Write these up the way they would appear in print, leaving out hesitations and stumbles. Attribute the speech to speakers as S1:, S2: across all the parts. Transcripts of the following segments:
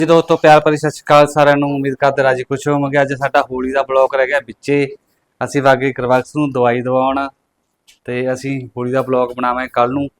S1: जी दोस्तों प्यार भरी सत श्री अकाल सारिਆਂ ਨੂੰ उम्मीद करते राजी खुश होवोगे। ਅੱਜ ਸਾਡਾ ਹੋਲੀ ਦਾ ਬਲੌਗ ਰਹਿ ਗਿਆ ਵਿੱਚੇ। ਅਸੀਂ ਵਾਗੇ ਕਰਵਕਸ ਨੂੰ ਦਵਾਈ ਦਵਾਉਣ ਤੇ ਅਸੀਂ ਹੋਲੀ ਦਾ ਬਲੌਗ ਬਣਾਵਾਂਗੇ ਕੱਲ ਨੂੰ।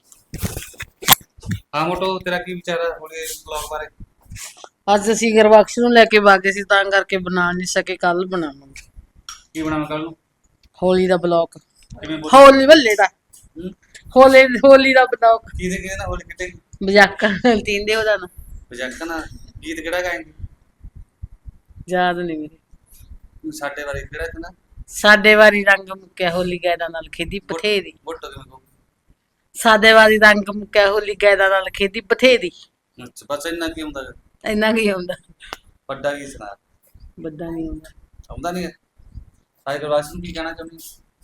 S1: ਹਾਂ ਮੋਟੋ ਤੇਰਾ ਕੀ ਵਿਚਾਰ ਹੈ ਹੋਲੀ ਦੇ ਬਲੌਗ ਬਾਰੇ?
S2: ਅੱਜ ਅਸੀਂ ਗਰਬਖਸ਼ ਨੂੰ ਲੈ ਕੇ ਵਾਗੇ ਸੀ ਤਾਂ ਕਰਕੇ ਬਣਾ ਨਹੀਂ ਸਕੇ, ਕੱਲ ਬਣਾਵਾਂਗੇ।
S1: ਕੀ ਬਣਾਵਾਂ ਕੱਲ ਨੂੰ?
S2: ਹੋਲੀ ਦਾ ਬਲੌਗ।
S1: ਕਿਵੇਂ ਬੋਲ?
S2: ਹੋਲੀ ਬੱਲੇ ਦਾ ਹੋਲੀ ਦਾ ਬਲੌਗ।
S1: ਕਿਹਦੇ ਨਾਲ ਹੋਲੀ ਕਿਤੇ
S2: ਮਜ਼ਾਕ ਤੀਂਦੇ ਉਹਦਾ ਨਾ
S1: ਵਜਾਕਾ ਨਾ ਗੀਤ ਕਿਹੜਾ ਗਾਏਂਗੇ?
S2: ਯਾਦ ਨਹੀਂ ਮੇਰੇ।
S1: ਸਾਡੇ ਬਾਰੇ ਕਿਹੜਾ ਕਹਿੰਦਾ?
S2: ਸਾਡੇ ਵਾਰੀ ਰੰਗ ਮੁੱਕਿਆ ਹੋਲੀ ਗੈਦਾ ਨਾਲ ਖੇਦੀ ਬਥੇਰੀ।
S1: ਬੁੱਟੋ ਦੇ ਮਗੋ।
S2: ਸਾਡੇ ਵਾਰੀ ਰੰਗ ਮੁੱਕਿਆ ਹੋਲੀ ਗੈਦਾ ਨਾਲ ਖੇਦੀ ਬਥੇਰੀ।
S1: ਅੱਛਾ ਬਸ ਇੰਨਾ ਕੀ ਹੁੰਦਾ?
S2: ਇੰਨਾ ਕੀ ਹੁੰਦਾ?
S1: ਵੱਡਾ ਕੀ ਸੁਣਾ?
S2: ਵੱਡਾ ਨਹੀਂ ਹੁੰਦਾ।
S1: ਆਉਂਦਾ ਨਹੀਂ ਹੈ। ਸਾਈ ਗਲਾਸ ਨੂੰ ਕੀ ਕਹਿਣਾ ਚਾਹੁੰਦੀ?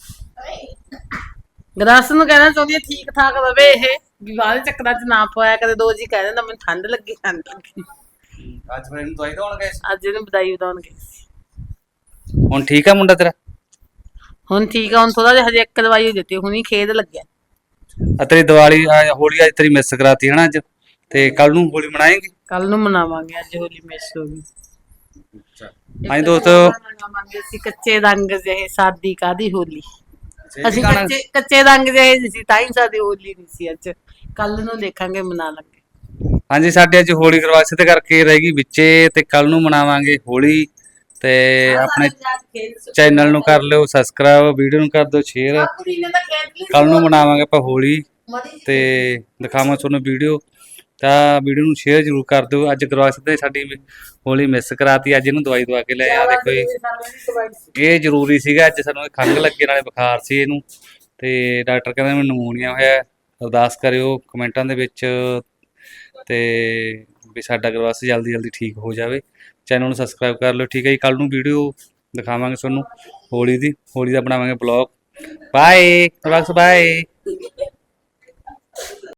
S2: ਗਰਾਸ ਨੂੰ ਕਹਿਣਾ ਚਾਹੁੰਦੀ ਹਾਂ ਠੀਕ ਠਾਕ ਰਵੇ ਇਹ, ਵੀ ਬਾਹਰ ਚੱਕਰਾਂ ਚ ਨਾ ਪਵਾਇਆ ਕਦੇ। ਦੋ ਜੀ ਕਹਿ ਦਿੰਦਾ ਮੈਨੂੰ ਠੰਡ ਲੱਗੀ ਠੰਡ ਲੱਗੀ।
S1: ਅੱਜ ਫਿਰ ਇਹਨੂੰ ਦਵਾਈ ਦਵਾਉਣ ਗਏ?
S2: ਅੱਜ ਇਹਨੂੰ ਵਧਾਈ ਵਧਾਉਣ ਗਏ।
S1: ਹੁਣ ਠੀਕ ਆ ਮੁੰਡਾ ਤੇਰਾ?
S2: ਹੁਣ ਠੀਕ ਆ, ਹੁਣ ਥੋੜਾ ਜਿਹਾ ਹਜੇ ਇੱਕ ਦਵਾਈ ਦਿੱਤੀ, ਹੁਣੀ ਖੇਦ ਲੱਗਿਆ।
S1: ਤੇਰੀ ਦੀਵਾਲੀ ਹੋਲੀ ਅੱਜ ਤੇਰੀ ਮਿਸ ਕਰਾਤੀ ਹਨਾ ਅੱਜ, ਤੇ ਕੱਲ ਨੂੰ ਹੋਲੀ ਮਨਾਏਂਗੇ?
S2: ਕੱਲ ਨੂੰ ਮਨਾਵਾਂਗੇ, ਅੱਜ ਹੋਲੀ ਮਿਸ ਹੋ ਗਈ।
S1: ਹਾਂਜੀ ਦੋਸਤੋ
S2: ਮਨਾਵਾਂਗੇ ਅਸੀਂ ਕੱਚੇ ਰੰਗ ਜਿਹੇ ਸਾਦੀ ਕਾਦੀ ਹੋਲੀ। ਅਸੀਂ
S1: ਗਾਣਾ
S2: ਕੱਚੇ ਰੰਗ ਜਿਹੇ ਸੀ ਤਾਂ ਹੀ ਸਾਡੀ ਹੋਲੀ ਨਹੀਂ ਸੀ ਅੱਜ। ਕੱਲ ਨੂੰ ਦੇਖਾਂਗੇ, ਮਨਾ ਲਾਂਗੇ।
S1: ਹਾਂਜੀ ਸਾਡੇ ਅੱਜ ਹੋਲੀ ਕਰਵਾਸੇ ਤੇ ਕਰਕੇ ਰਹਿ ਗਈ ਵਿੱਚੇ, ਤੇ ਕੱਲ ਨੂੰ ਮਨਾਵਾਂਗੇ ਹੋਲੀ। ਤੇ ਆਪਣੇ ਚੈਨਲ ਨੂੰ ਕਰ ਲਿਓ ਸਬਸਕ੍ਰਾਈਬ, ਵੀਡੀਓ ਨੂੰ ਕਰ ਦਿਓ ਸ਼ੇਅਰ। ਕੱਲ ਨੂੰ ਮਨਾਵਾਂਗੇ ਆਪਾਂ ਹੋਲੀ ਤੇ ਦਿਖਾਵਾਂ ਤੁਹਾਨੂੰ ਵੀਡੀਓ, ਤਾਂ ਵੀਡੀਓ ਨੂੰ ਸ਼ੇਅਰ ਜ਼ਰੂਰ ਕਰ ਦਿਓ। ਅੱਜ ਕਰਵਾਸੇ ਤੇ ਸਾਡੀ ਹੋਲੀ ਮਿਸ ਕਰਾਤੀ, ਅੱਜ ਇਹਨੂੰ ਦਵਾਈ ਦਵਾ ਕੇ ਲੈ ਆ। ਦੇਖੋ ਜੀ ਇਹ ਜ਼ਰੂਰੀ ਸੀਗਾ, ਅੱਜ ਸਾਨੂੰ ਖੰਘ ਲੱਗੇ ਨਾਲੇ ਬੁਖਾਰ ਸੀ ਇਹਨੂੰ, ਤੇ ਡਾਕਟਰ ਕਹਿੰਦਾ ਮੈਨੂੰ ਨਮੂਨੀਆ ਹੋਇਆ। ਅਰਦਾਸ ਕਰਿਓ ਕਮੈਂਟਾਂ ਦੇ ਵਿੱਚ ਤੇ ਵੀ ਸਾਡਾ ਕਰਵਾਸ ਜਲਦੀ ਠੀਕ ਹੋ ਜਾਵੇ। ਚੈਨਲ ਨੂੰ ਸਬਸਕ੍ਰਾਈਬ ਕਰ ਲਿਓ, ਠੀਕ ਹੈ ਜੀ। ਕੱਲ ਨੂੰ ਵੀਡੀਓ ਦਿਖਾਵਾਂਗੇ ਤੁਹਾਨੂੰ ਹੋਲੀ ਦਾ ਬਣਾਵਾਂਗੇ ਬਲੌਗ। Bye ਕਰਵਕਸ, bye.